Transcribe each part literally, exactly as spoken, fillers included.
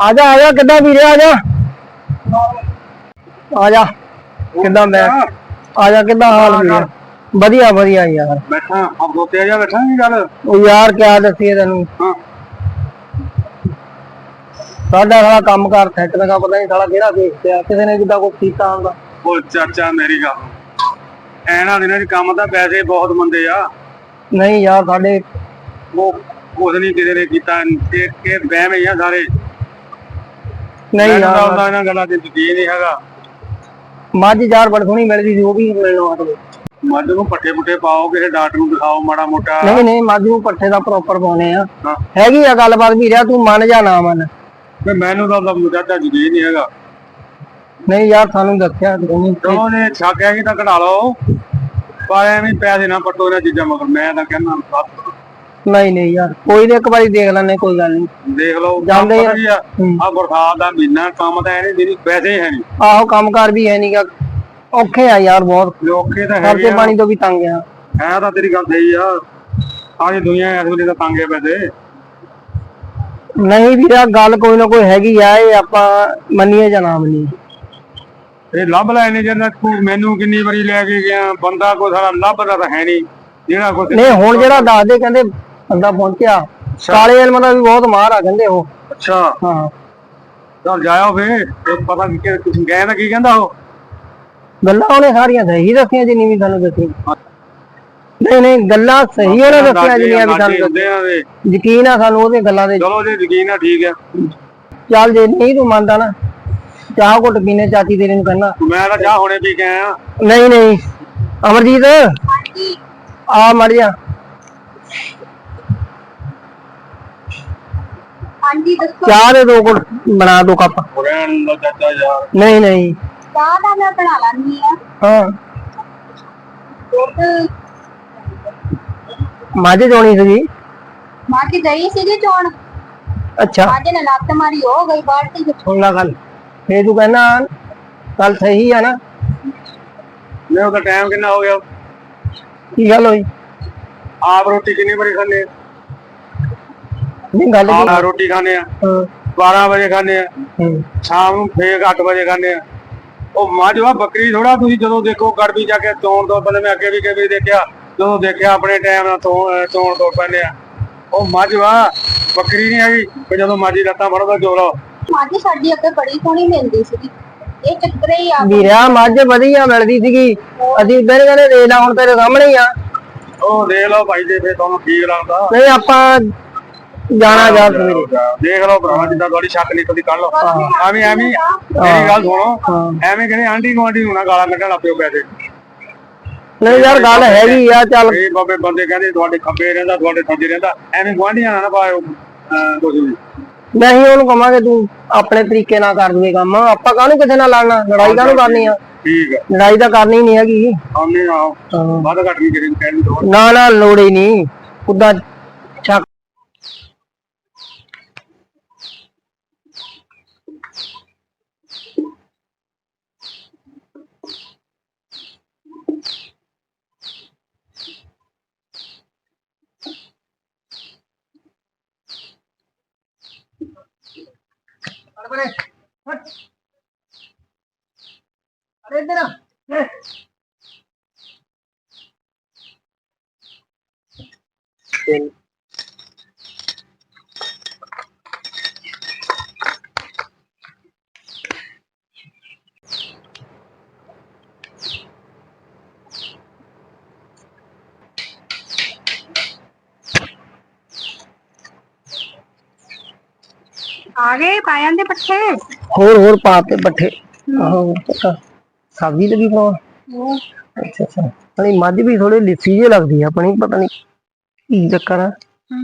आजा आजा किदा वीरे आजा आजा किदा मैं आजा किदा हाल वीरे बढ़िया बढ़िया यार बैठा अब दो तेजा बैठा नहीं गल ओ यार क्या दसिए तेन हां साडा सारा काम कर सेट लगा पता नहीं साला केड़ा देखते किसी ने किदा कुछ कीता हुंदा ओ चाचा मेरी गल ऐना दिनां च काम दा पैसे बहुत मंदे आ नहीं यार साडे वो कुछ नहीं किसी ने कीता के के बहम ही आ सारे नहीं यार ਉਹਦਾ ਇਹਨਾਂ ਗੱਲਾਂ ਤੇ ਯਕੀਨ ਨਹੀਂ ਹੈਗਾ ਮੱਝ ਯਾਰ ਬੜ ਸੋਹਣੀ ਮਿਲਦੀ ਸੀ ਉਹ ਵੀ ਮਿਲਣਾ ਆ ਤੁਹਾਨੂੰ ਮੱਝ ਨੂੰ ਪੱਠੇ ਪੁੱਠੇ ਪਾਓ ਕਿਸੇ ਡਾਕਟਰ ਨੂੰ ਦਿਖਾਓ ਮਾੜਾ ਮੋਟਾ ਨਹੀਂ ਨਹੀਂ ਮੱਝ ਨੂੰ ਪੱਠੇ ਦਾ ਪ੍ਰੋਪਰ ਪਾਉਣੇ ਆ ਹੈਗੀ ਆ ਗੱਲਬਾਤ ਵੀ ਰਿਆ ਤੂੰ ਮੰਨ ਜਾ ਨਾ ਮੰਨ ਤੇ ਮੈਨੂੰ ਤਾਂ ਮੁਜਾਦਾ ਯਕੀਨ ਨਹੀਂ ਹੈਗਾ ਨਹੀਂ ਯਾਰ ਸਾਨੂੰ ਦੱਸਿਆ ਨਹੀਂ ਚਲੋ ਨੇ ਛੱਕ ਹੈਗੀ ਤਾਂ ਕਢਾ ਲਓ ਪਰ ਐਵੇਂ ਪੈਸੇ ਨਾ ਪੱਟੋ ਇਹਨਾਂ ਚੀਜ਼ਾਂ ਮਗਰ ਮੈਂ ਤਾਂ ਕਹਿੰਦਾ ਬਸ ਨਹੀਂ ਨਹੀਂ ਯਾਰ ਕੋਈ ਨਹੀਂ ਇੱਕ ਵਾਰੀ ਦੇਖ ਲੈਣੇ ਕੋਈ ਗੱਲ ਨਹੀਂ ਦੇਖ ਲਓ ਜਾਂਦੇ ਆ ਆ ਬਰਸਾਤ ਦਾ ਮਹੀਨਾ ਕੰਮ ਤਾਂ ਐ ਨਹੀਂ ਪੈਸੇ ਹੈ ਨਹੀਂ ਆਹੋ ਕੰਮਕਾਰ ਵੀ ਹੈ ਨਹੀਂਗਾ ਔਖੇ ਆ ਯਾਰ ਬਹੁਤ ਔਖੇ ਤਾਂ ਖਰਚੇ ਹੈਗੇ ਪਾਣੀ ਤੋਂ ਵੀ ਤੰਗ ਆ ਹੈ ਤਾਂ ਤੇਰੀ ਗੱਲ ਸਹੀ ਆ ਸਾਰੀ ਦੁਨੀਆ ਇਸ ਵੇਲੇ ਤਾਂ ਤੰਗ ਹੈ ਪੈਸੇ ਨਹੀਂ ਵੀਰਾ ਗੱਲ ਕੋਈ ਨਾ ਕੋਈ ਹੈਗੀ ਆ ਇਹ ਆਪਾਂ ਮੰਨੀਏ ਜਾਂ ਨਾ ਮੰਨੀਏ ਇਹ ਲੱਭ ਲੈ ਨੇ ਜਿਹੜਾ ਮੈਨੂੰ ਕਿੰਨੀ ਵਾਰੀ ਲੈ ਕੇ ਗਿਆ ਬੰਦਾ ਕੋਈ ਸਾਰਾ ਲੱਭਦਾ ਤਾਂ ਹੈ ਨਹੀਂ ਜਿਹੜਾ ਕੋਈ ਨਹੀਂ ਹੁਣ ਜਿਹੜਾ ਦੱਸਦੇ ਕਹਿੰਦੇ ਬੰਦਾ ਪਹੁੰਚਿਆ ਕਾਲੇ ਇਲਮ ਦਾ ਵੀ ਬਹੁਤ ਮਾਹਰ ਆ ਕਹਿੰਦੇ ਉਹ ਅੱਛਾ ਹਾਂ ਚੱਲ ਜਾਇਓ ਫੇ ਪਤਾ ਕਿ ਤੁਸੀਂ ਗਏ ਨਾ ਕੀ ਕਹਿੰਦਾ ਉਹ ਗੱਲਾਂ ਉਹਨੇ ਸਾਰੀਆਂ ਸਹੀ ਦੱਸੀਆਂ ਜਿੰਨੀ ਵੀ ਸਾਨੂੰ ਦੱਸੀ ਨਹੀਂ ਨਹੀਂ ਗੱਲਾਂ ਸਹੀ ਉਹਨੇ ਦੱਸੀਆਂ ਜਿੰਨੀਆਂ ਵੀ ਸਾਨੂੰ ਦੱਸੀਆਂ ਯਕੀਨ ਆ ਸਾਨੂੰ ਉਹਦੇ ਗੱਲਾਂ ਦੇ ਚਲੋ ਜੇ ਯਕੀਨ ਆ ਠੀਕ ਆ ਚੱਲ ਜੇ ਨਹੀਂ ਤੂੰ ਮੰਨਦਾ ਨਾ ਚਾਹ ਘੁੱਟ ਪੀਨੇ ਚਾਚੀ ਤੇਰੇ ਨੂੰ ਕਹਿਣਾ ਮੈਂ ਤਾਂ ਚਾਹ ਹੁਣੇ ਪੀ ਕੇ ਆਇਆ ਨਹੀਂ ਨਹੀਂ ਅਮਰਜੀਤ ਆ ਮੜ ਜਾ ਹਾਂਜੀ ਦੱਸੋ ਚਾਹ ਦੇ ਦੋ ਘੁੱਟ ਬਣਾ ਦੋ ਕੱਪ ਰਹਿਣ ਦਾ ਚਾਚਾ ਯਾਰ ਨਹੀਂ ਨਹੀਂ ਚਾਹ ਦਾ ਮੈਂ ਬਣਾ ਲੈਂਦੀ ਆ ਹਾਂ ਦੁੱਧ ਮੱਝ ਚੋਣੀ ਸੀਗੀ ਮਾਂ ਦੀ ਗਈ ਸੀਗੀ ਚੋਣ ਅੱਛਾ ਅੱਜ ਨੇ ਲੱਤ ਮਾਰੀ ਹੋ ਗਈ ਬਾਲਟੀ ਵਿੱਚ ਸੁਣ ਲਾ ਗੱਲ ਫੇਰ ਤੂੰ ਕਹਿਣਾ ਗੱਲ ਸਹੀ ਆ ਨਾ ਮੈਂ ਉਹਦਾ ਟਾਈਮ ਕਿੰਨਾ ਹੋ ਗਿਆ ਕੀ ਗੱਲ ਹੋਈ ਆਪ ਰੋਟੀ ਕਿੰਨੀ ਵਾਰੀ ਖਾਂਦੇ ਆ ਨਹੀਂ ਗੱਲ ਕੀ ਆ ਰੋਟੀ ਖਾਂਦੇ ਆ ਹਾਂ ਬਾਰਾਂ ਵਜੇ ਖਾਂਦੇ ਆ ਸ਼ਾਮ ਨੂੰ ਫੇਰ ਅੱਠ ਵਜੇ ਖਾਂਦੇ ਆ ਉਹ ਮੱਝ ਵਾ ਬੱਕਰੀ ਥੋੜਾ ਤੁਸੀਂ ਜਦੋਂ ਦੇਖੋ ਗੜਬੀ ਜਾ ਕੇ ਚੋਣ ਤੋਂ ਪਹਿਲੇ ਮੈਂ ਅੱਗੇ ਵੀ ਕਿਵੇਂ ਦੇਖਿਆ ਜਦੋਂ ਦੇਖਿਆ ਆਪਣੇ ਟਾਈਮ ਨਾਲ ਚੋਣ ਤੋਂ ਪੈਂਦੇ ਆ ਉਹ ਮੱਝ ਵਾ ਬੱਕਰੀ ਨਹੀਂ ਹੈਗੀ ਕਿ ਜਦੋਂ ਮਾਜੀ ਲੱਤਾਂ ਫੜਦਾ ਜੋੜਾ ਮਾਜੀ ਸਾਡੀ ਅੱਗੇ ਬੜੀ ਸੋਹਣੀ ਮਿਲਦੀ ਸੀਗੀ ਇਹ ਚੱਕਰੇ ਹੀ ਆ ਵੀਰਾ ਮੱਝ ਵਧੀਆ ਮਿਲਦੀ ਸੀਗੀ ਅਸੀਂ ਇੱਧਰ ਕਹਿੰਦੇ ਦੇ ਲਾ ਹੁਣ ਤੇਰੇ ਸਾਹਮਣੇ ਹੀ ਆ ਉਹ ਦੇਖ ਲਓ ਭਾਈ ਜੇ ਫੇਰ ਤੁਹਾਨੂੰ ਠੀਕ ਲੱਗਦਾ ਨਹੀਂ ਆਪਾਂ ਜਾਣਾ ਜਾ ਸਵੇਰੇ ਦੇਖ ਲਓ ਭਰਾ ਜਿੱਦਾਂ ਤੁਹਾਡੀ ਸ਼ੱਕ ਨਿਕਲਦੀ ਕੱਢ ਲਓ ਐਵੇਂ ਐਵੇਂ ਮੇਰੀ ਗੱਲ ਸੁਣੋ ਐਵੇਂ ਕਹਿੰਦੇ ਆਂਟੀ ਗੁਆਂਢੀ ਨੂੰ ਨਾ ਗਾਲਾਂ ਕੱਢਣ ਲੱਗ ਪਿਓ ਪੈਸੇ ਨਹੀਂ ਯਾਰ ਗੱਲ ਹੈਗੀ ਆ ਚੱਲ ਇਹ ਬਾਬੇ ਬੰਦੇ ਕਹਿੰਦੇ ਤੁਹਾਡੇ ਖੱਬੇ ਰਹਿੰਦਾ ਤੁਹਾਡੇ ਸੱਜੇ ਰਹਿੰਦਾ ਐਵੇਂ ਗੁਆਂਢੀਆਂ ਨਾਲ ਨਾ ਪਾਇਓ ਕੁਝ ਵੀ ਨਹੀਂ ਉਹਨੂੰ ਕਵਾਂਗੇ ਤੂੰ ਆਪਣੇ ਤਰੀਕੇ ਨਾਲ ਕਰ ਦੂਏ ਕੰਮ ਆਪਾਂ ਕਾਹਨੂੰ ਕਿਸੇ ਨਾਲ ਲੜਨਾ ਲੜਾਈ ਕਾਹਨੂੰ ਕਰਨੀ ਆ ਠੀਕ ਹੈ ਲੜਾਈ ਤਾਂ ਕਰਨੀ ਨਹੀਂ ਹੈਗੀ ਆਉਣੇ ਆਓ ਵੱਧ ਘੱਟ ਨਹੀਂ ਕਿਸੇ ਨੂੰ ਕਹਿਣ ਦੀ ਲੋੜ ਨਾ ਨਾ ਲੋੜ ਹੀ ਨਹੀਂ ਉਦਾਂ ਛੱਕ अरे इधर ਆ ਗਏ ਪਾਇਆਂ ਦੇ ਪੱਠੇ ਹੋਰ ਹੋਰ ਪਾਤੇ ਪੱਠੇ ਆਹੋ ਪੱਕਾ ਸਬਜ਼ੀ ਲੱਗੀ ਬਣਾਉਣ ਅੱਛਾ ਅੱਛਾ ਅਣੀ ਮੱਝ ਵੀ ਥੋੜੀ ਲਿੱਸੀ ਜਿਹੀ ਲੱਗਦੀ ਆ ਆਪਣੀ ਪਤਾ ਨਹੀਂ ਕੀ ਚੱਕਰ ਆ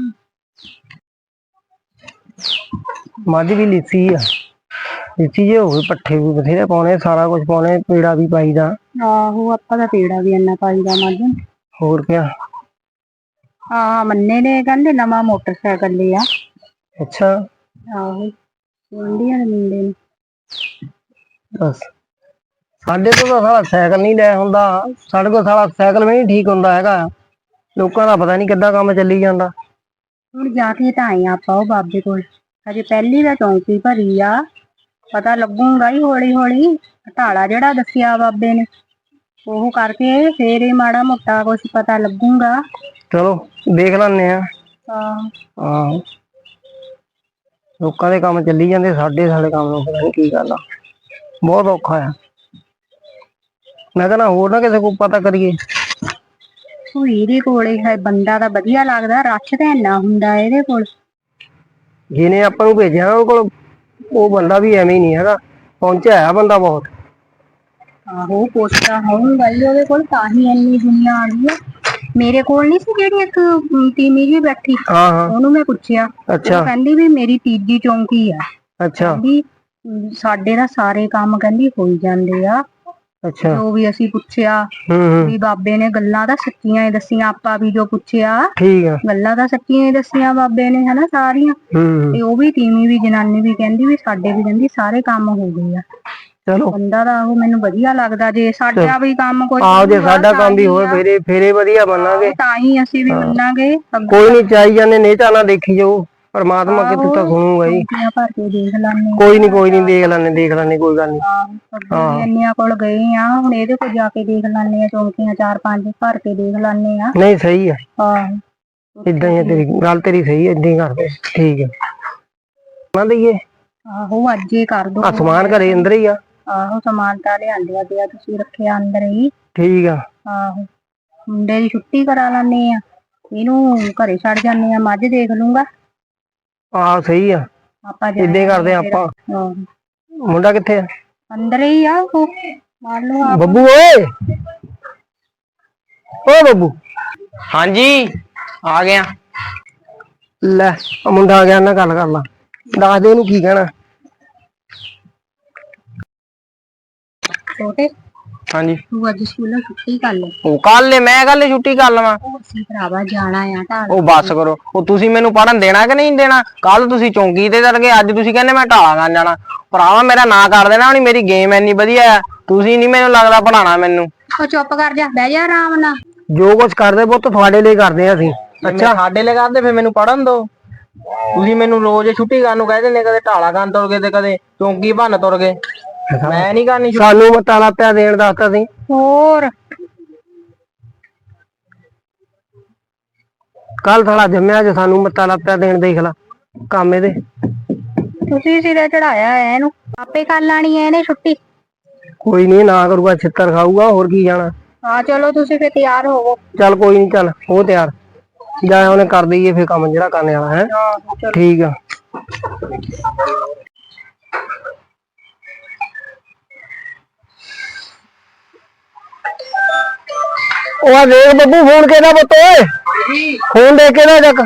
ਮੱਝ ਵੀ ਲਿੱਸੀ ਆ ਲਿੱਸੀ ਜੇ ਹੋਵੇ ਪੱਠੇ ਵੀ ਬਥੇਰੇ ਪਾਉਣੇ ਸਾਰਾ ਕੁਝ ਪਾਉਣੇ ਪੀੜਾ ਵੀ ਪਾਈਦਾ ਆਹੋ ਆਪਾਂ ਦਾ ਪੀੜਾ ਵੀ ਇੰਨਾ ਪਾਈਦਾ ਮੱਝ ਹੋਰ ਕਿਆ ਹਾਂ ਮੰਨੇ ਨੇ ਕਹਿੰਦੇ ਨਵਾਂ ਮੋਟਰਸਾਈਕਲ ਲਿਆ ਅੱਛਾ ਆਹੋ ਇੰਡੀਅਨ ਮੁੰਡੇ ਨੇ ਬਸ ਸਾਡੇ ਕੋਲ ਤਾਂ ਸਾਲਾ ਸਾਈਕਲ ਨਹੀਂ ਲੈ ਹੁੰਦਾ ਸਾਡੇ ਕੋਲ ਸਾਲਾ ਸਾਈਕਲ ਵੀ ਨਹੀਂ ਠੀਕ ਹੁੰਦਾ ਹੈਗਾ ਲੋਕਾਂ ਦਾ ਪਤਾ ਨਹੀਂ ਕਿੱਦਾਂ ਕੰਮ ਚੱਲੀ ਜਾਂਦਾ ਹੁਣ ਜਾ ਕੇ ਤਾਂ ਆਏ ਆਪਾਂ ਉਹ ਬਾਬੇ ਕੋਲ ਹਜੇ ਪਹਿਲੀ ਦਾ ਚੌਂਕੀ ਭਰੀ ਆ, ਪਤਾ ਲੱਗੂਗਾ ਹੀ ਹੌਲੀ ਹੌਲੀ। ਢਾਲਾ ਜਿਹੜਾ ਦੱਸਿਆ ਬਾਬੇ ਨੇ ਉਹ ਕਰਕੇ ਫੇਰ ਹੀ ਮਾੜਾ ਮੋਟਾ ਕੁਛ ਪਤਾ ਲੱਗੂਗਾ। ਚਲੋ ਦੇਖ ਲੈਣੇ ਆ। ਹਾਂ ਹਾਂ ਲੋਕਾਂ ਦੇ ਕੰਮ ਚੱਲੀ ਜਾਂਦੇ, ਸਾਡੇ ਸਾਡੇ ਕੰਮ ਨੂੰ ਪਤਾ ਨੀ ਕੀ ਗੱਲ ਆ, ਬਹੁਤ ਔਖਾ ਆ। ਮੈਂ ਕਹਿੰਦਾ ਹੋਰ ਨਾ ਕਿਸੇ ਕੋਲ ਪਤਾ ਕਰੀਏ। ਭੂਈ ਦੇ ਕੋਲੇ ਹੈ ਬੰਦਾ ਤਾਂ ਵਧੀਆ ਲੱਗਦਾ, ਰੱਛ ਤਾਂ ਇੰਨਾ ਹੁੰਦਾ ਇਹਦੇ ਕੋਲ। ਜਿਹਨੇ ਆਪਾਂ ਨੂੰ ਭੇਜਿਆ ਉਹ ਕੋਲ ਉਹ ਬੰਦਾ ਵੀ ਐਵੇਂ ਹੀ ਨਹੀਂ ਹੈਗਾ, ਪਹੁੰਚਿਆ ਹੈ ਬੰਦਾ ਬਹੁਤ। ਆਹੋ ਪੁੱਛਦਾ ਹੋਊਗਾ ਹੀ ਉਹਦੇ ਕੋਲ, ਤਾਂ ਹੀ ਇੰਨੀ ਦੁਨੀਆ ਆ ਗਈ ਆ। ਮੇਰੇ ਕੋਲ ਨੀ ਸੀ ਜਿਹੜੀ ਇੱਕ ਅਮ, ਤੀਵੀਂ ਜੀ ਬੈਠੀ, ਹਾਂ ਹਾਂ ਉਹਨੂੰ ਮੈਂ ਪੁੱਛਿਆ, ਅੱਛਾ ਉਹ ਕਹਿੰਦੀ ਵੀ ਮੇਰੀ ਤੀਜੀ ਚੌਂਕੀ ਆ। ਅੱਛਾ ਕਹਿੰਦੀ ਅਮ, ਸਾਡੇ ਤਾਂ ਸਾਰੇ ਕੰਮ ਕਹਿੰਦੀ ਹੋਈ ਜਾਂਦੇ ਆ। ਅੱਛਾ ਜੋ ਵੀ ਅਸੀਂ ਪੁੱਛਿਆ ਹੂੰ ਹੂੰ ਵੀ ਬਾਬੇ ਨੇ ਗੱਲਾਂ ਤਾਂ ਸੱਚੀਆਂ ਹੀ ਦੱਸੀਆਂ, ਆਪਾਂ ਵੀ ਜੋ ਪੁੱਛਿਆ ਠੀਕ ਆ ਗੱਲਾਂ ਤਾਂ ਸੱਚੀਆਂ ਹੀ ਦੱਸੀਆਂ ਬਾਬੇ ਨੇ, ਹਨਾ ਸਾਰੀਆਂ। ਹੂੰ ਤੇ ਉਹ ਵੀ ਤੀਵੀਂ ਵੀ ਜਨਾਨੀ ਵੀ ਕਹਿੰਦੀ ਵੀ ਸਾਡੇ ਵੀ ਕਹਿੰਦੀ ਸਾਰੇ ਕੰਮ ਹੋ ਗਏ ਆ। ਚਲੋ ਬੰਦਾ ਤਾਂ ਉਹ ਮੈਨੂੰ ਵਧੀਆ ਲੱਗਦਾ, ਜੇ ਸਾਡਾ ਵੀ ਕੰਮ ਕੋਈ ਆਹੋ ਜੇ ਬਣੂਗਾ ਸਾਡਾ ਤਾਂ ਕੰਮ ਵੀ ਹੀ ਹੋਵੇ ਆ। ਫੇਰੇ ਫੇਰੇ ਵਧੀਆ ਮੰਨਾਂਗੇ। ਆਹੋ, ਤਾਂ ਹੀ ਅਸੀਂ ਵੀ ਮੰਨਾਂਗੇ ਅੱਗੇ। ਕੋਈ ਨੀ ਚਾਈ ਜਾਂਦੇ ਨਹੀਂ ਚਾਹਨਾ ਦੇਖੀ ਜਾਓ, ਪਰਮਾਤਮਾ ਕਿਤੇ ਤਾਂ ਆਹੋ ਸੁਣੂਗਾ ਹੀ। ਚੌਂਕੀਆਂ ਭਰ ਕੇ ਦੇਖ ਲਾਂਗੇ। ਕੋਈ ਨੀ ਕੋਈ ਨੀ ਦੇਖ ਲੈਣੇ ਦੇਖ ਲੈਣੇ ਕੋਈ ਗੱਲ ਨੀ। ਅੱਗੇ ਵੀ ਇੰਨਿਆਂ ਕੋਲ ਗਏ ਆ, ਹੁਣ ਇਹਦੇ ਕੋਲ ਜਾ ਕੇ ਦੇਖ ਲੈਣੇ ਆ, ਚੌਂਕੀਆਂ ਚਾਰ ਪੰਜ ਭਰ ਕੇ ਦੇਖ ਲੈਣੇ ਆ। ਨਹੀਂ ਸਹੀ ਆ, ਆਹੋ ਏਦਾਂ ਹੀ ਆ, ਤੇਰੀ ਗੱਲ ਤੇਰੀ ਸਹੀ ਹੈ, ਏਦਾਂ ਹੀ ਕਰਦੇ ਠੀਕ ਹੈ। ਨਾ ਦਈਏ ਆਹੋ ਅੱਜ ਹੀ ਕਰ ਦੋ। ਆ ਸਮਾਨ ਘਰੇ ਅੰਦਰ ਹੀ ਆ। ਆਹੋ ਸਮਾਨ ਤਾਂ ਲਿਆਂਦਿਆ ਪਿਆ, ਤੁਸੀਂ ਰੱਖਿਆ ਅੰਦਰ ਹੀ। ਠੀਕ ਆ। ਆਹੋ ਮੁੰਡੇ ਦੀ ਛੁੱਟੀ ਕਰਾ ਲੈਣੇ ਆ, ਇਹਨੂੰ ਘਰੇ ਛੱਡ ਜਾਂਦੇ ਆ, ਮੱਝ ਦੇਖ ਲੂੰਗਾ। ਆਹ ਸਹੀ ਆ, ਆਪਾਂ ਏਦਾਂ ਹੀ ਕਰਦੇ ਆ ਫਿਰ ਆਪਾਂ। ਮੁੰਡਾ ਕਿੱਥੇ ਆ? ਅੰਦਰ ਹੀ ਆ ਉਹ, ਮਾਰ ਲਓ ਆਪ। ਬੱਬੂ ਓਏ ਓ ਬੱਬੂ। ਹਾਂਜੀ ਆ ਗਿਆ। ਲੈ ਮੁੰਡਾ ਆ ਗਿਆ, ਨਾ ਗੱਲ ਕਰ ਲਾ, ਦੱਸ ਦੇ ਉਹਨੂੰ ਕੀ ਕਹਿਣਾ। ਛੋਟੇ ਹਾਂਜੀ ਤੂੰ ਅੱਜ ਸਕੂਲੋਂ ਛੁੱਟੀ ਕਰ ਲੈ। ਉਹ ਕੱਲ ਮੈਂ ਕੱਲ ਛੁੱਟੀ ਕਰ ਲਵਾਂ? ਉਹ ਅਸੀਂ ਭਰਾਵਾ ਜਾਣਾ ਆ ਢਾਲ। ਉਹ ਬੱਸ ਕਰੋ, ਉਹ ਤੁਸੀਂ ਮੈਨੂੰ ਪੜਨ ਦੇਣਾ ਕਿ ਨਹੀਂ ਦੇਣਾ? ਕੱਲ ਤੁਸੀਂ ਚੌਂਕੀ ਤੇ ਚੜ ਗਏ, ਅੱਜ ਤੁਸੀਂ ਕਹਿੰਦੇ ਮੈਂ ਢਾਲਾ ਕਰਨ ਜਾਣਾ। ਭਰਾਵਾ ਮੇਰਾ ਨਾਂ ਕਰ ਦੇਣਾ, ਹੁਣ ਮੇਰੀ ਗੇਮ ਇੰਨੀ ਵਧੀਆ ਆ, ਤੁਸੀਂ ਨੀ ਮੈਨੂੰ ਲੱਗਦਾ ਪੜਾਣਾ ਮੈਨੂੰ। ਉਹ ਚੁੱਪ ਕਰ ਜਾ, ਬਹਿ ਜਾ ਆਰਾਮ ਨਾਲ। ਜੋ ਕੁਝ ਕਰਦੇ ਪੁੱਤ ਤੁਹਾਡੇ ਲਈ ਕਰਦੇ ਆ ਅਸੀਂ। ਅੱਛਾ ਸਾਡੇ ਲਈ ਕਰਦੇ, ਫਿਰ ਮੈਨੂੰ ਪੜਨ ਦੋ। ਤੁਸੀਂ ਮੈਨੂੰ ਰੋਜ਼ ਛੁੱਟੀ ਕਰਨ ਨੂੰ ਕਹਿ ਦਿੰਦੇ, ਕਦੇ ਢਾਲਾ ਕਰਨ ਤੁਰ ਗਏ ਤੇ ਕਦੇ ਚੌਂਕੀ ਭੰਨ ਤੁਰ ਗਏ। ਮੈਂ ਨੀ ਕਰਨੀ ਛੁੱਟੀ। ਸਾਨੂੰ ਮਤਾਲਾ ਪਿਆ ਦੇਣ ਦੱਸਤਾ ਸੀ। ਹੋਰ ਕੱਲ ਸਾਲਾ ਜੰਮਿਆ ਅੱਜ ਸਾਨੂੰ ਮੱਤਾ ਲੱਪਿਆ ਦੇਣ, ਦੇਖ ਲਾ ਕੰਮ ਇਹਦੇ। ਤੁਸੀਂ ਸਿਰੇ ਚੜਾਇਆ ਹੈ ਇਹਨੂੰ, ਆਪੇ ਕਰ ਲੈਣੀ ਹੈ ਇਹਨੇ ਛੁੱਟੀ। ਕੋਈ ਨੀ ਨਾ ਕਰੂਗਾ ਛਿੱਤਰ ਖਾਊਗਾ, ਹੋਰ ਕੀ ਜਾਣਾ। ਹਾਂ ਚਲੋ ਤੁਸੀਂ ਫਿਰ ਤਿਆਰ ਹੋਵੋ। ਚੱਲ ਕੋਈ ਨੀ, ਚੱਲ ਹੋ ਤਿਆਰ, ਜਾ ਉਹਨੇ ਕਰ ਦਈਏ ਫਿਰ ਕੰਮ ਜਿਹੜਾ ਕਰਨੇ ਵਾਲਾ ਹੈ। ਠੀਕ ਆ। ਉਹ ਦੇਖ ਬੱਬੂ ਫੋਨ ਕਿਹਦਾ ਪੁੱਤ ਓਏ, ਫੋਨ ਦੇ ਕੇ ਨਾ ਚੱਕ।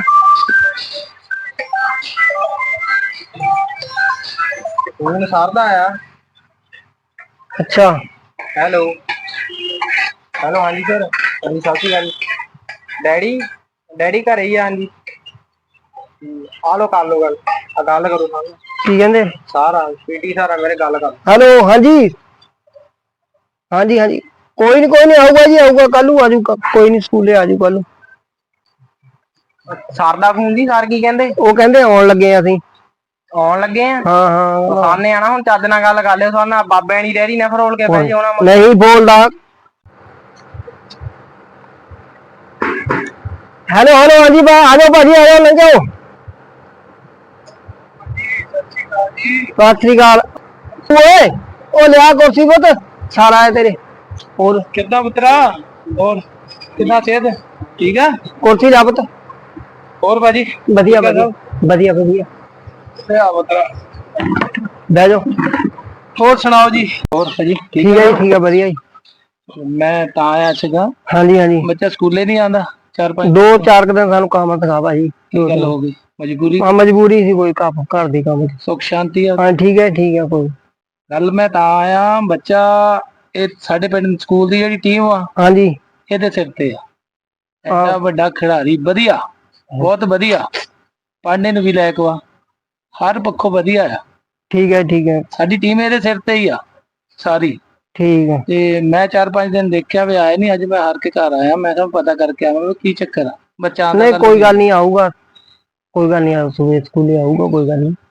ਫੋਨ ਸਰਦਾ ਆ। ਅੱਛਾ ਹੈਲੋ ਹੈਲੋ ਹਾਂਜੀ ਸਰ, ਹਾਂਜੀ ਸਤਿ ਸ਼੍ਰੀ ਅਕਾਲ। ਡੈਡੀ ਡੈਡੀ ਘਰੇ ਹੀ ਆ। ਹਾਂਜੀ ਆ ਲੋ ਕਰ ਲੋ ਗੱਲ, ਆ ਗੱਲ ਕਰੋ ਨਾਲ। ਕੀ ਕਹਿੰਦੇ? ਸਾਰਾ ਪੀਟੀ ਸਾਰਾ ਮੇਰੇ ਗੱਲ ਕਰ। ਹੈਲੋ ਹਾਂਜੀ ਹਾਂਜੀ ਹਾਂਜੀ ਕੋਈ ਨੀ ਕੋਈ ਨੀ ਆਊਗਾ ਜੀ ਆਊਗਾ, ਕੱਲ ਨੂੰ ਆਜੂ, ਕੋਈ ਨੀ ਸਕੂਲੇ ਆਜੂ ਕੱਲ ਨੂੰ। ਸਰ ਦਾ ਫੋਨ ਦੀ, ਸਰ ਕੀ ਕਹਿੰਦੇ? ਉਹ ਕਹਿੰਦੇ ਆਉਣ ਲੱਗੇ ਆ ਅਸੀਂ। ਆਉਣ ਲੱਗੇ ਆ? ਹਾਂ ਹਾਂ ਸਾਹਮਣੇ ਆਣਾ, ਹੁਣ ਚੱਜ ਨਾਲ ਗੱਲ ਕਰ ਲਿਓ ਸਾਡੇ ਨਾਲ, ਬਾਬਿਆਂ ਦੀ ਡੈਰੀ ਨਾ ਫਰੋਲ ਕੇ ਬਹਿ ਜਾਓ ਨਾ। ਨਹੀਂ ਬੋਲਦਾ। ਹੈਲੋ ਹੈਲੋ ਹਾਂਜੀ ਬਾ ਆ ਜਾਓ ਭਾਜੀ, ਆ ਜਾਓ ਲੰਘ ਜਾਓ। ਸਤਿ ਸ੍ਰੀ ਅਕਾਲ। ਓਏ ਉਹ ਲਿਆ ਕੁਰਸੀ ਪੁੱਤ, ਸਾਰਾ ਹੈ ਤੇਰੇ। ਹੋਰ ਕਿੱਦਾਂ ਪੁੱਤਰਾ? ਹੋਰ ਕਿੱਦਾਂ ਸਿਹਤ ਠੀਕ ਆ? ਕੁਰਸੀ ਲਾ ਪੁੱਤ। ਹੋਰ ਭਾਜੀ ਵਧੀਆ ਵਧੀਆ ਵਧੀਆ ਵਧੀਆ। ਲਿਆ ਪੁੱਤਰਾ ਬਹਿ ਜਾਓ। ਹੋਰ ਸੁਣਾਓ ਜੀ? ਹੋਰ ਭਾਜੀ ਠੀਕ ਹੈ ਜੀ, ਠੀਕ ਹੈ ਵਧੀਆ ਜੀ। ਮੈਂ ਤਾਂ ਆਇਆ ਸੀਗਾ। ਹਾਂਜੀ ਹਾਂਜੀ ਬੱਚਾ ਸਕੂਲੇ ਨਹੀਂ ਆਉਂਦਾ? ਚਾਰ ਪੰਜ ਦੋ ਚਾਰ ਕੁ ਦਿਨ ਸਾਨੂੰ ਕੰਮ ਦਿਖਾ ਭਾਜੀ। ਕੀ ਗੱਲ ਹੋ ਗਈ? ਮਜਬੂਰੀ? ਹਾਂ ਮਜਬੂਰੀ ਸੀ ਕੋਈ, ਕੰਮ ਘਰ ਦੀ ਕੰਮ। ਸੁੱਖ ਸ਼ਾਂਤੀ ਆ? ਹਾਂ ਠੀਕ ਹੈ ਠੀਕ ਹੈ ਕੋਈ। ਗੱਲ ਮੈਂ ਤਾਂ ਆਇਆ, ਬੱਚਾ ਇਹ ਸਾਡੇ ਪਿੰਡ ਸਕੂਲ ਦੀ ਜਿਹੜੀ ਟੀਮ ਆ, ਹਾਂਜੀ ਇਹਦੇ ਸਿਰ ਤੇ ਆ। ਐਡਾ ਵੱਡਾ ਖਿਡਾਰੀ, ਵਧੀਆ ਬਹੁਤ ਵਧੀਆ, ਪੜ੍ਹਨੇ ਨੂੰ ਵੀ ਲਾਇਕ ਵਾ, ਹਰ ਪੱਖੋਂ ਵਧੀਆ ਆ। ਠੀਕ ਹੈ ਠੀਕ ਹੈ। ਸਾਡੀ ਟੀਮ ਇਹਦੇ ਸਿਰ ਤੇ ਹੀ ਆ ਸਾਰੀ। ਠੀਕ ਹੈ। ਤੇ ਮੈਂ ਚਾਰ ਪੰਜ ਦਿਨ ਦੇਖਿਆ ਵੀ ਆਏ ਨੀ, ਅੱਜ ਮੈਂ ਹਾਰ ਕੇ ਘਰ ਆਇਆ, ਮੈਂ ਕਿਹਾ ਪਤਾ ਕਰਕੇ ਆਵਾਂ ਕੀ ਚੱਕਰ ਆ। ਬੱਚਾ ਆਂਦਾ ਨਹੀਂ ਕੋਈ ਗੱਲ ਨਹੀਂ ਆਊਗਾ, ਕੋਈ ਗੱਲ ਨਹੀਂ, ਸਵੇਰੇ ਸਕੂਲੇ ਆਊਗਾ, ਕੋਈ ਗੱਲ ਨਹੀਂ।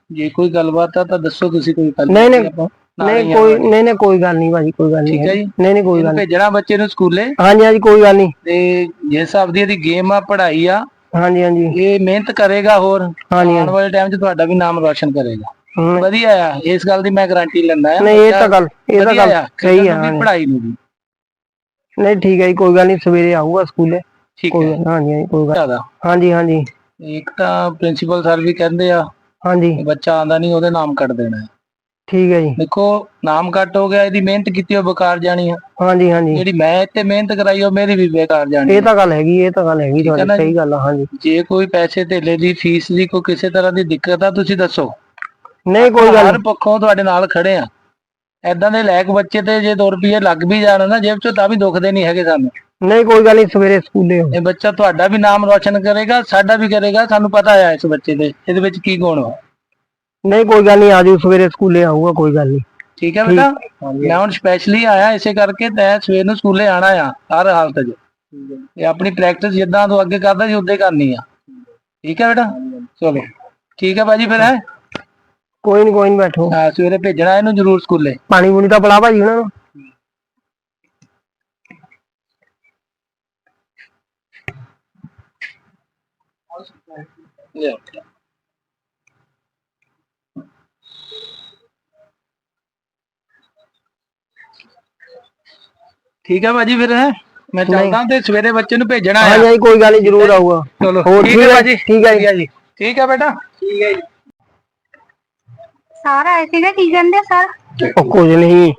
ਜੇ ਕੋਈ ਗੱਲਬਾਤ ਆ ਤਾਂ ਦੱਸੋ ਤੁਸੀਂ, ਕੋਈ ਗੱਲ ਨਹੀਂ ਨਹੀਂ ਆਪਾਂ ਨਾਲ ਨਹੀਂ ਹੀ ਕੋਈ ਆਵਾਂਗੇ। ਨਹੀਂ ਨਹੀਂ ਕੋਈ ਗੱਲ ਨਹੀਂ ਭਾਜੀ, ਕੋਈ ਗੱਲ ਨਹੀਂ ਠੀਕ ਹੈ ਜੀ। ਨਹੀਂ ਨਹੀਂ ਕੋਈ ਗੱਲ ਇਹਨੂੰ ਨਹੀਂ। ਭੇਜਣਾ ਬੱਚੇ ਨੂੰ ਸਕੂਲੇ, ਹਾਂਜੀ ਹਾਂਜੀ ਕੋਈ ਗੱਲ ਨਹੀਂ। ਤੇ ਜਿਸ ਹਿਸਾਬ ਦੀ ਇਹਦੀ ਗੇਮ ਆ, ਪੜ੍ਹਾਈ ਆ, ਹਾਂਜੀ ਹਾਂਜੀ ਇਹ ਮਿਹਨਤ ਕਰੇਗਾ, ਹੋਰ ਹਾਂਜੀ ਆਉਣ ਵਾਲੇ ਟਾਈਮ 'ਚ ਤੁਹਾਡਾ ਵੀ ਨਾਮ ਰੋਸ਼ਨ ਕਰੇਗਾ। ਹਮ, ਵਧੀਆ ਆ, ਇਸ ਗੱਲ ਦੀ ਮੈਂ ਗਾਰੰਟੀ ਲੈਂਦਾ ਆ। ਨਹੀਂ ਇਹ ਤਾਂ ਗੱਲ ਇਹ ਤਾਂ ਵਧੀਆ ਗੱਲ ਆ, ਸਹੀ ਖੇਡਣ ਆ। ਨੂੰ ਵੀ, ਪੜ੍ਹਾਈ ਨੂੰ ਵੀ। ਨਹੀਂ ਠੀਕ ਹੈ ਜੀ, ਕੋਈ ਗੱਲ ਨਹੀਂ, ਸਵੇਰੇ ਆਊਗਾ ਸਕੂਲੇ। ਠੀਕ ਕੋਈ ਹੈ। ਗੱਲ- ਹਾਂਜੀ ਹਾਂਜੀ ਕੋਈ ਗੱਲ। ਜ਼ਿਆਦਾ ਹਾਂਜੀ ਹਾਂਜੀ ਇੱਕ ਤਾਂ ਪ੍ਰਿੰਸੀਪਲ ਸਰ ਵੀ ਕਹਿੰਦੇ ਆ ਹਾਂਜੀ ਕਿ ਬੱਚਾ ਆਂਦਾ ਨਹੀਂ ਉਹਦੇ ਨਾਮ ਕੱਟ ਦੇਣਾ ਹੈ। ਠੀਕ ਹੈ ਜੀ। ਦੇਖੋ ਨਾਮ ਕੱਟ ਹੋ ਗਿਆ, ਇਹਦੀ ਮਿਹਨਤ ਕੀਤੀ ਉਹ ਬੇਕਾਰ ਜਾਣੀ ਆ। ਹਾਂਜੀ ਹਾਂਜੀ ਜਿਹੜੀ ਮੈਂ ਇੱਥੇ ਮਿਹਨਤ ਕਰਾਈ ਉਹ ਮੇਰੀ ਵੀ ਬੇਕਾਰ ਜਾਣੀ ਇਹ ਆ। ਤਾਂ ਗੱਲ ਹੈਗੀ, ਇਹ ਤਾਂ ਗੱਲ ਹੈਗੀ ਠੀਕ ਹੈ ਤੁਹਾਡੀ, ਨਾ ਜੀ? ਸਹੀ ਗੱਲ ਆ। ਹਾਂਜੀ ਜੇ ਕੋਈ ਪੈਸੇ ਧੇਲੇ ਦੀ, ਫੀਸ ਦੀ, ਕੋਈ ਕਿਸੇ ਤਰ੍ਹਾਂ ਦੀ ਦਿੱਕਤ ਆ, ਤੁਸੀਂ ਦੱਸੋ। ਨਹੀਂ ਕੋਈ ਗੱਲ ਹਰ ਪੱਖੋਂ ਤੁਹਾਡੇ ਨਾਲ ਖੜੇ ਆ। ਏਦਾਂ ਦੇ ਲਾਇਕ ਬੱਚੇ ਤੇ ਜੇ ਦੋ ਰੁਪਏ ਲੱਗ ਵੀ ਜਾਣ ਨਾ ਜੇਬ ਚੋਂ, ਤਾਂ ਵੀ ਦੁਖਦੇ ਨਹੀਂ ਹੈਗੇ ਸਾਨੂੰ। ਨਹੀਂ ਕੋਈ ਗੱਲ ਨਹੀਂ, ਸਵੇਰੇ ਸਕੂਲੇ ਹੋ। ਇਹ ਬੱਚਾ ਤੁਹਾਡਾ ਵੀ ਨਾਮ ਰੋਸ਼ਨ ਕਰੇਗਾ, ਸਾਡਾ ਵੀ ਕਰੇਗਾ, ਸਾਨੂੰ ਪਤਾ ਆ ਇਸ ਬੱਚੇ ਦੇ, ਇਹਦੇ ਵਿੱਚ ਕੀ ਗੁਣ ਵਾ। ਨਹੀਂ ਕੋਈ ਗੱਲ ਨਹੀਂ, ਆਜੋ ਸਵੇਰੇ ਸਕੂਲੇ ਆਊਗਾ, ਕੋਈ ਗੱਲ ਨਹੀਂ। ਠੀਕ ਹੈ ਬੇਟਾ, ਮੈਂ ਹੁਣ ਸਪੈਸ਼ਲੀ ਆਇਆ ਇਸੇ ਕਰਕੇ, ਤੈਂ ਸਵੇਰ ਨੂੰ ਸਕੂਲੇ ਆਣਾ ਆ ਹਰ ਹਾਲਤ 'ਚ। ਇਹ ਆਪਣੀ ਪ੍ਰੈਕਟਿਸ ਜਿੱਦਾਂ ਤੂੰ ਅੱਗੇ ਕਰਦਾ ਸੀ ਉਦਾਂ ਹੀ ਕਰਨੀ ਆ। ਠੀਕ ਹੈ ਬੇਟਾ, ਚਲੋ ਠੀਕ ਹੈ ਭਾਜੀ, ਫਿਰ ਹੈ ਕੋਈ ਨਹੀਂ ਕੋਈ ਨਹੀਂ, ਬੈਠੋ। ਹਾਂ ਸਵੇਰੇ ਭੇਜਣਾ ਇਹਨੂੰ ਜ਼ਰੂਰ ਸਕੂਲੇ। ਪਾਣੀ ਪੂਣੀ ਤਾਂ ਪਿਲਾ ਭਾਜੀ ਉਹਨਾਂ ਨੂੰ। ਠੀਕ ਹੈ ਭਾਜੀ, ਫਿਰ ਹੈ ਮੈਂ ਚੱਲਦਾ, ਤੇ ਸਵੇਰੇ ਬੱਚੇ ਨੂੰ ਭੇਜਣਾ ਹਾਂਜੀ ਆ। ਹਾਂਜੀ ਕੋਈ ਗੱਲ ਨਹੀਂ, ਜ਼ਰੂਰ ਆਊਗਾ। ਚਲੋ ਹੋਰ ਠੀਕ ਹੈ ਭਾਜੀ, ਠੀਕ ਹੈ ਜੀ, ਠੀਕ ਹੈ ਬੇਟਾ, ਠੀਕ ਹੈ ਜੀ। ਸਾਰਾ ਆਏ ਸੀਗਾ, ਕੀ ਕਹਿੰਦੇ ਸਰ? ਉਹ ਕੁਝ ਨਹੀਂ,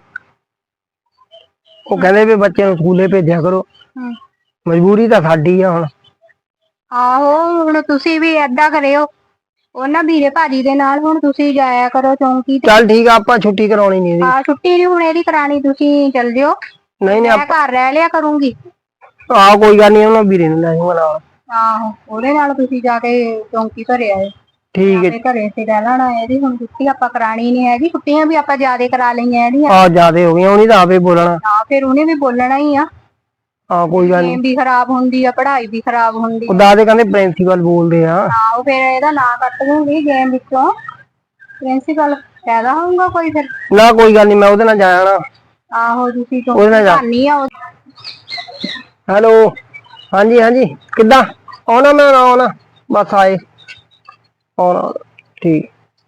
ਉਹ ਕਹਿੰਦੇ ਵੀ ਬੱਚੇ ਨੂੰ ਸਕੂਲੇ ਭੇਜਿਆ ਕਰੋ। ਹਮ, ਮਜਬੂਰੀ ਤਾਂ ਸਾਡੀ ਆ ਹੁਣ। ਆਹੋ ਹੁਣ ਤੁਸੀਂ ਵੀ ਏਦਾਂ ਕਰਿਓ, ਉਹਨਾਂ ਵੀਰੇ ਭਾਜੀ ਦੇ ਨਾਲ ਹੁਣ ਤੁਸੀਂ ਜਾਇਆ ਕਰੋ ਚੌਂਕੀ ਤੇ। ਚੱਲ ਠੀਕ ਆ, ਆਪਾਂ ਛੁੱਟੀ ਕਰਾਉਣੀ ਨਹੀਂ ਇਹਦੀ। ਹਾਂ ਛੁੱਟੀ ਨੀ ਹੁਣ ਇਹਦੀ ਕਰਾਣੀ, ਤੁਸੀਂ ਚੱਲ ਜਿਓ, ਨਹੀਂ ਨਹੀਂ ਮੈਂ ਘਰ ਰਹਿ ਲਿਆ ਕਰੂੰਗੀ। ਆਹ ਕੋਈ ਗੱਲ ਨਹੀਂ, ਉਹਨਾਂ ਵੀਰੇ ਨੂੰ ਲੈ ਜਾਊਗਾ ਨਾਲ। ਆਹੋ ਉਹਦੇ ਨਾਲ ਤੁਸੀਂ ਜਾ ਕੇ ਚੌਂਕੀ ਭਰੇ ਆਏ। ਠੀਕ ਹੈ। ਤੇ ਘਰੇ ਤੇ ਰਹਿ ਲੈਣਾ, ਇਹਦੀ ਹੁਣ ਛੁੱਟੀ ਆਪਾਂ ਕਰਾਣੀ ਨੀ ਹੈਗੀ, ਛੁੱਟੀਆਂ ਵੀ ਆਪਾਂ ਜ਼ਿਆਦੇ ਕਰਾ ਲਈਆਂ ਇਹਦੀਆਂ। ਆ ਜਿਆਦੇ ਹੋ ਗਈਆਂ, ਉਹਨੀ ਤਾਂ ਆਪੇ ਬੋਲਣਾ। ਹਾਂ ਫਿਰ ਉਹਨੇ ਵੀ ਬੋਲਣਾ ਹੀ ਆ। ਹਾਂ ਕੋਈ ਗੱਲ ਨਹੀਂ, ਗੇਮ ਵੀ ਖਰਾਬ ਹੁੰਦੀ ਆ, ਪੜ੍ਹਾਈ ਵੀ ਖਰਾਬ ਹੁੰਦੀ ਆ। ਉਦਾਂ ਦੇ ਕਹਿੰਦੇ ਪ੍ਰਿੰਸੀਪਲ ਬੋਲਦੇ ਆ। ਹਾਂ ਉਹ ਫਿਰ ਇਹਦਾ ਨਾਂ ਕੱਟ ਦੂੰਗੀ ਗੇਮ ਵਿੱਚੋਂ, ਪ੍ਰਿੰਸੀਪਲ ਫਾਇਦਾ ਹੋਊਗਾ ਕੋਈ ਫਿਰ? ਨਾ ਕੋਈ ਗੱਲ ਨਹੀਂ, ਮੈਂ ਉਹਦੇ ਨਾਲ ਜਾਇਆ ਨਾ। ਆਹੋ ਤੁਸੀਂ ਉਹਦੇ ਨਾਲ ਜਾ। ਚੌਂਕੀ ਆ। ਹੈਲੋ, ਹਾਂਜੀ ਹਾਂਜੀ, ਕਿੱਦਾਂ ਆਉਣਾ? ਮੈਂ ਆਉਣਾ, ਬਸ ਆਏ ਆਉਣਾ। ਠੀਕ,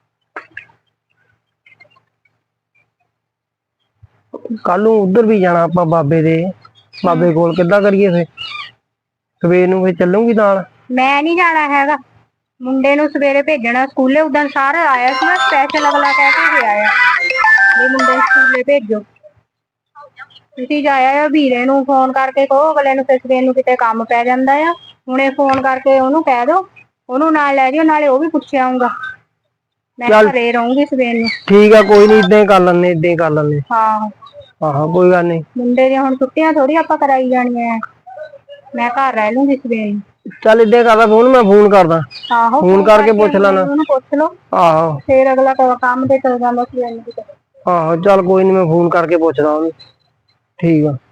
ਕੱਲ ਨੂੰ ਉਧਰ ਵੀ ਜਾਣਾ ਆਪਾਂ, ਬਾਬੇ ਦੇ ਬਾਬੇ ਕੋਲ। ਕਿੱਦਾਂ ਕਰੀਏ ਫੇ? ਸਵੇਰ ਨੂੰ ਫੇ ਚੱਲੂਗੀ ਨਾਲ? ਮੈਂ ਨਹੀਂ ਜਾਣਾ ਹੈਗਾ, ਮੁੰਡੇ ਨੂੰ ਸਵੇਰੇ ਭੇਜਣਾ ਸਕੂਲੇ। ਉਦੋਂ ਸਾਰਾ ਆਇਆ ਸੀ ਨਾ ਸਪੈਸ਼ਲ, ਅਗਲਾ ਕਹਿ ਕੇ ਗਿਆ ਆ ਵੀ ਮੁੰਡੇ ਨੂੰ ਸਕੂਲੇ ਭੇਜੋ। ਤੁਸੀਂ ਜਾਇਆ ਵੀਰੇ ਨੂੰ ਫੋਨ ਕਰਕੇ ਕਹੋ, ਅਗਲੇ ਨੂੰ ਫਿਰ ਸਵੇਰ ਨੂੰ ਕਿਤੇ ਕੰਮ ਪੈ ਜਾਂਦਾ ਆ। ਹੁਣੇ ਫੋਨ ਕਰਕੇ ਉਹਨੂੰ ਕਹਿ ਦੋ, ਉਹਨੂੰ ਨਾਲ ਲੈ ਜਿਓ, ਨਾਲੇ ਉਹ ਵੀ ਪੁੱਛ ਆਊਗਾ। ਮੈਂ ਘਰੇ ਰਹੂੰਗੀ ਸਵੇਰ ਨੂੰ। ਠੀਕ ਆ, ਕੋਈ ਨੀ, ਇਦਾਂ ਹੀ ਕਰ ਲੈਂਦੇ, ਇਦਾਂ ਹੀ ਕਰ ਲੈਂਦੇ। ਹਾਂ ਆਹੋ ਕੋਈ ਗੱਲ ਨੀ। ਮੁੰਡੇ ਦੀਆਂ ਹੁਣ ਛੁੱਟੀਆਂ ਥੋੜੀ ਆਪਾਂ ਕਰਾਈ ਜਾਣੀਆਂ, ਮੈਂ ਘਰ ਰਹਿ ਲੂੰਗੀ ਸਵੇਰ ਨੂੰ। ਚੱਲ ਇਦਾਂ ਹੀ ਕਰਦਾ, ਫੋਨ ਮੈਂ ਫੋਨ ਕਰਦਾ। ਆਹੋ ਫੋਨ ਕਰਕੇ ਪੁੱਛ ਲੈਣਾ ਉਹਨੂੰ, ਪੁੱਛ ਲਓ। ਆਹੋ ਫੇਰ ਅਗਲਾ ਕੰਮ ਤੇ ਚਲ ਜਾਂਦਾ ਸਵੇਰ ਨੂੰ ਕਿਤੇ। ਆਹੋ ਚੱਲ ਕੋਈ ਨੀ, ਮੈਂ ਫੋਨ ਕਰਕੇ ਪੁੱਛਦਾ ਉਹਨੂੰ। ਠੀਕ ਆ।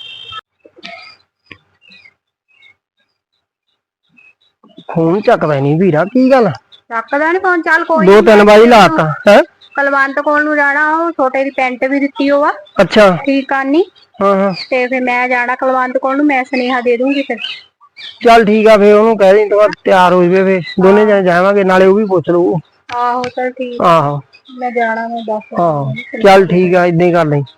ਫੋਨ ਚੱਕਦਾ ਨੀ ਵੀਰਾ, ਕੀ ਗੱਲ? ਚੱਕਦਾ ਨੀ ਫੋਨ? ਚੱਲ ਕੋਈ ਦੋ ਤਿੰਨ ਵਾਰੀ ਲਾਤਾ ਹੈ। ਕਲਵੰਤ ਕੋਲ ਨੂੰ ਜਾਣਾ, ਉਹ ਛੋਟੇ ਦੀ ਪੈਂਟ ਵੀ ਦਿੱਤੀ ਉਹ ਆ। ਅੱਛਾ ਠੀਕ ਕਰਨੀ। ਹਾਂ ਹਾਂ, ਤੇ ਫਿਰ ਮੈਂ ਜਾਣਾ ਕਲਵੰਤ ਕੋਲ ਨੂੰ, ਮੈਂ ਸੁਨੇਹਾ ਦੇ ਦੂੰਗੀ ਫਿਰ। ਚੱਲ ਠੀਕ ਆ, ਫੇਰ ਉਹਨੂੰ ਕਹਿ ਦੇ ਤੂੰ ਤਿਆਰ ਹੋ ਜਾਵੇ, ਫੇਰ ਦੋਨੇ ਜਣੇ ਜਾਵਾਂਗੇ, ਨਾਲੇ ਉਹ ਵੀ ਪੁੱਛ ਲਊ। ਆਹੋ ਚੱਲ ਠੀਕ। ਆਹੋ ਮੈਂ ਜਾਣਾ, ਮੈਂ ਦੱਸ। ਆਹੋ ਚੱਲ ਠੀਕ ਆ, ਏਦਾਂ ਹੀ ਕਰ ਲਈ।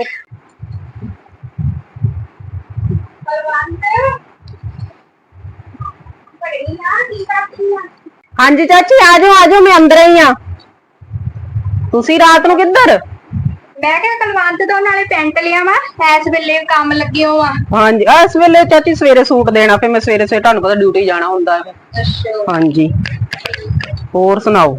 ਹਾਂਜੀ ਚਾਚੀ, ਆ ਜਾਓ ਆ ਜਾਓ, ਮੈਂ ਅੰਦਰ ਹੀ ਆ। ਤੁਸੀਂ ਰਾਤ ਨੂੰ ਕਿੱਧਰ? ਮੈਂ ਕਿਹਾ ਕਲਵੰਤ ਤੋਂ ਨਾਲੇ ਪੈਂਟ ਲਿਆ ਵਾ, ਇਸ ਵੇਲੇ ਕੰਮ ਲੱਗੇ ਹੋ ਆ। ਹਾਂਜੀ, ਇਸ ਵੇਲੇ ਚਾਚੀ ਸਵੇਰੇ ਸੂਟ ਦੇਣਾ, ਫਿਰ ਮੈਂ ਸਵੇਰੇ ਸਵੇਰੇ ਤੁਹਾਨੂੰ ਪਤਾ ਡਿਊਟੀ ਜਾਣਾ ਹੁੰਦਾ ਹੈ। ਅੱਛਾ ਹਾਂਜੀ, ਹੋਰ ਸੁਣਾਓ,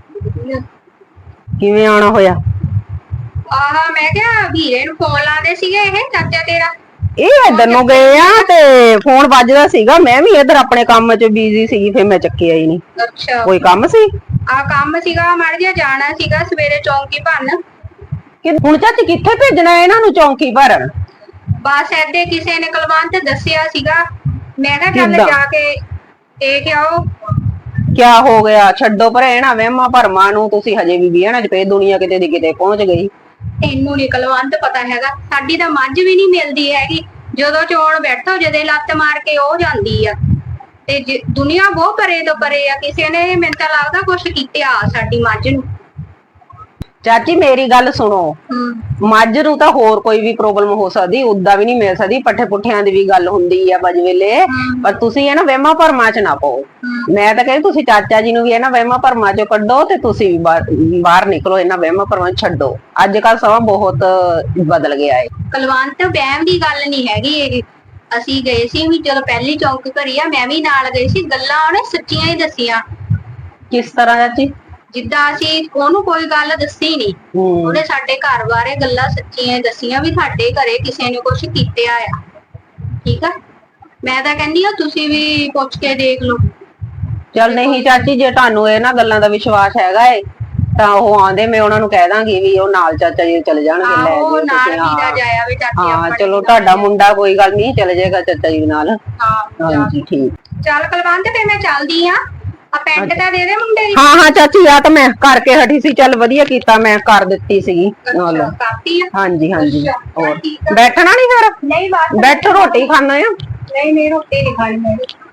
ਕਿਵੇਂ ਆਉਣਾ ਹੋਇਆ? ਆਹ ਮੈਂ ਕਿਹਾ ਵੀਰੇ ਨੂੰ ਫੋਨ ਲਾਉਂਦੇ ਸੀਗੇ, ਇਹ ਚਾਚਾ ਤੇਰਾ। ਇਹ ਇੱਧਰ ਨੂੰ ਗਏ ਆ, ਤੇ ਫੋਨ ਵੱਜਦਾ ਸੀਗਾ, ਮੈਂ ਵੀ ਇੱਧਰ ਆਪਣੇ ਕੰਮ 'ਚ ਬਿਜ਼ੀ ਸੀਗੀ, ਫਿਰ ਮੈਂ ਚੱਕਿਆ ਹੀ ਨਹੀਂ। ਅੱਛਾ, ਕੋਈ ਕੰਮ ਸੀ? ਆ ਕੰਮ ਸੀਗਾ, ਮੜ ਜਿਹਾ ਜਾਣਾ ਸੀਗਾ ਸਵੇਰੇ ਚੌਂਕੀ ਭਰਨ। ਹੁਣ ਚਾਚੀ ਕਿੱਥੇ ਭੇਜਣਾ ਇਹਨਾਂ ਨੂੰ ਚੌਂਕੀ ਭਰਨ? ਬਸ ਏਦੇ ਕਿਸੇ ਨੇ ਕਲਵੰਤ ਦੱਸਿਆ ਸੀਗਾ, ਮੈਂ ਕਿਹਾ ਚੱਲ ਕਿੱਦਾਂ? ਜਾ ਕੇ ਦੇਖ ਆਓ। ਕਿਆ ਹੋ ਗਿਆ? ਛੱਡੋ ਪਰ ਇਹਨਾਂ ਵਹਿਮਾਂ ਭਰਮਾਂ ਨੂੰ, ਤੁਸੀਂ ਹਜੇ ਵੀ ਵਿਹਣਾ ਚ ਪਏ, ਦੁਨੀਆ ਕਿਤੇ ਦੀ ਕਿਤੇ ਪਹੁੰਚ ਗਈ। ਤੈਨੂੰ ਨੀ ਕੁਲਵੰਤ ਪਤਾ ਹੈਗਾ, ਸਾਡੀ ਤਾਂ ਮੱਝ ਵੀ ਨਹੀਂ ਮਿਲਦੀ ਹੈਗੀ। ਜਦੋਂ ਚੋਣ ਬੈਠੋ ਜਦੇ ਲੱਤ ਮਾਰ ਕੇ ਉਹ ਜਾਂਦੀ ਆ, ਤੇ ਜੇ- ਦੁਨੀਆ ਬਹੁਤ ਪਰੇ ਤੋਂ ਪਰੇ ਆ। ਕਿਸੇ ਨੇ ਮੈਨੂੰ ਤਾਂ ਲੱਗਦਾ ਕੁਛ ਕੀਤਾ ਸਾਡੀ ਮੱਝ ਨੂੰ। ਚਾਚੀ ਮੇਰੀ ਗੱਲ ਸੁਣੋ, ਹੂੰ ਮੱਝ ਨੂੰ ਤਾਂ ਹੋਰ ਕੋਈ ਵੀ ਪ੍ਰੋਬਲਮ ਹੋ ਸਕਦੀ, ਉਦਾਂ ਵੀ ਨਹੀਂ ਮਿਲ ਸਕਦੀ, ਪੱਠੇ ਪੁੱਠਿਆਂ ਦੀ ਵੀ ਗੱਲ ਹੁੰਦੀ ਆ ਬਜ ਵੇਲੇ। ਪਰ ਤੁਸੀਂ ਇਹ ਨਾ ਵਹਿਮਾਂ ਭਰਮਾਂ ਚ ਨਾ ਪਾਓ। ਮੈਂ ਤਾਂ ਕਹਿੰਦੀ ਤੁਸੀਂ ਚਾਚਾ ਜੀ ਨੂੰ ਵੀ ਇਹਨਾਂ ਵਹਿਮਾਂ ਭਰਮਾਂ ਚੋਂ ਕੱਢੋ, ਤੇ ਤੁਸੀਂ ਵੀ ਬਾਹਰ ਬਾਹਰ ਨਿਕਲੋ, ਇਹਨਾਂ ਵਹਿਮਾਂ ਭਰਮਾਂ ਨੂੰ ਛੱਡੋ। ਅੱਜ ਕੱਲ ਸਮਾਂ ਬਹੁਤ ਬਦਲ ਗਿਆ ਹੈ। ਕੁਲਵੰਤ ਵਹਿਮ ਦੀ ਗੱਲ ਨਹੀਂ ਹੈਗੀ ਇਹ। ਅਸੀਂ ਗਏ ਸੀ ਵੀ ਜਦੋਂ ਪਹਿਲੀ ਚੌਂਕ ਘਰੀ ਆ, ਮੈਂ ਵੀ ਨਾਲ ਗਈ ਸੀ। ਗੱਲਾਂ ਉਹਨੇ ਸੱਚੀਆਂ ਹੀ ਦੱਸੀਆਂ। ਕਿਸ ਤਰ੍ਹਾਂ ਚਾਚੀ? ਜਿੱਦਾਂ ਅਸੀਂ ਉਹਨੂੰ ਕੋਈ ਗੱਲ ਦੱਸੀ ਨਹੀਂ, ਹੂੰ ਉਹਨੇ ਸਾਡੇ ਘਰ ਬਾਰੇ ਗੱਲਾਂ ਸੱਚੀਆਂ ਹੀ ਦੱਸੀਆਂ ਵੀ ਸਾਡੇ ਘਰੇ ਕਿਸੇ ਨੇ ਕੁਛ ਕੀਤਾ ਆ। ਠੀਕ ਆ, ਮੈਂ ਤਾਂ ਕਹਿੰਦੀ ਆ ਤੁਸੀਂ ਵੀ ਪੁੱਛ ਕੇ ਦੇਖ ਲਓ। ਚੱਲ ਨਹੀਂ ਚਾਚੀ, ਜੇ ਤੁਹਾਨੂੰ ਇਹਨਾਂ ਗੱਲਾਂ ਦਾ ਵਿਸ਼ਵਾਸ ਹੈਗਾ ਏ ਤਾਂ ਉਹ ਆਂਦੇ, ਮੈਂ ਉਹਨਾਂ ਨੂੰ ਕਹਿ ਦਾਂਗੀ ਵੀ ਉਹ ਨਾਲ ਚਾਚਾ ਜੀ ਚਲੇ ਜਾਣਗੇ, ਲੈ ਆਹੋ ਜਿਓ ਨਾਲ ਤੁਸੀਂ। ਵੀਰਾ ਹਾਂ ਜਾਇਆ ਵੀ ਚਾਚੇ ਹਾਂ ਆਪਣੇ ਚਲੋ, ਨਾਲ। ਤੁਹਾਡਾ ਮੁੰਡਾ ਕੋਈ ਗੱਲ ਨਹੀਂ, ਚਲੇ ਜਾਏਗਾ ਚਾਚਾ ਜੀ ਨਾਲ। ਹਾਂ ਹਾਂਜੀ ਠੀਕ। ਚੱਲ ਕੁਲਵੰਤ ਤੇ ਮੈਂ ਚੱਲਦੀ ਆ। ਆ ਪੈਂਟ ਤਾਂ ਦੇ ਦੇ ਮੁੰਡੇ ਦੀ। ਹਾਂ ਹਾਂ ਚਾਚੀ, ਆ ਤਾਂ ਮੈਂ ਕਰਕੇ ਹਟੀ ਸੀ, ਚੱਲ ਵਧੀਆ ਕੀਤਾ, ਮੈਂ ਕਰ ਦਿੱਤੀ ਸੀਗੀ ਨਾਲ। ਅੱਛਾ, ਕਾਪੀ ਆ। ਹਾਂਜੀ ਹਾਂਜੀ। ਅੱਛਾ, ਹੋਰ ਠੀਕ ਆ। ਬੈਠਣਾ ਨਹੀਂ ਫਿਰ? ਨਹੀਂ ਬਸ ਬੈਠੋ, ਰੋਟੀ ਖਾਣਾ ਆ। ਨਹੀਂ ਨਹੀਂ ਰੋਟੀ ਨਹੀਂ ਖਾਣੀ ਮੈਂ।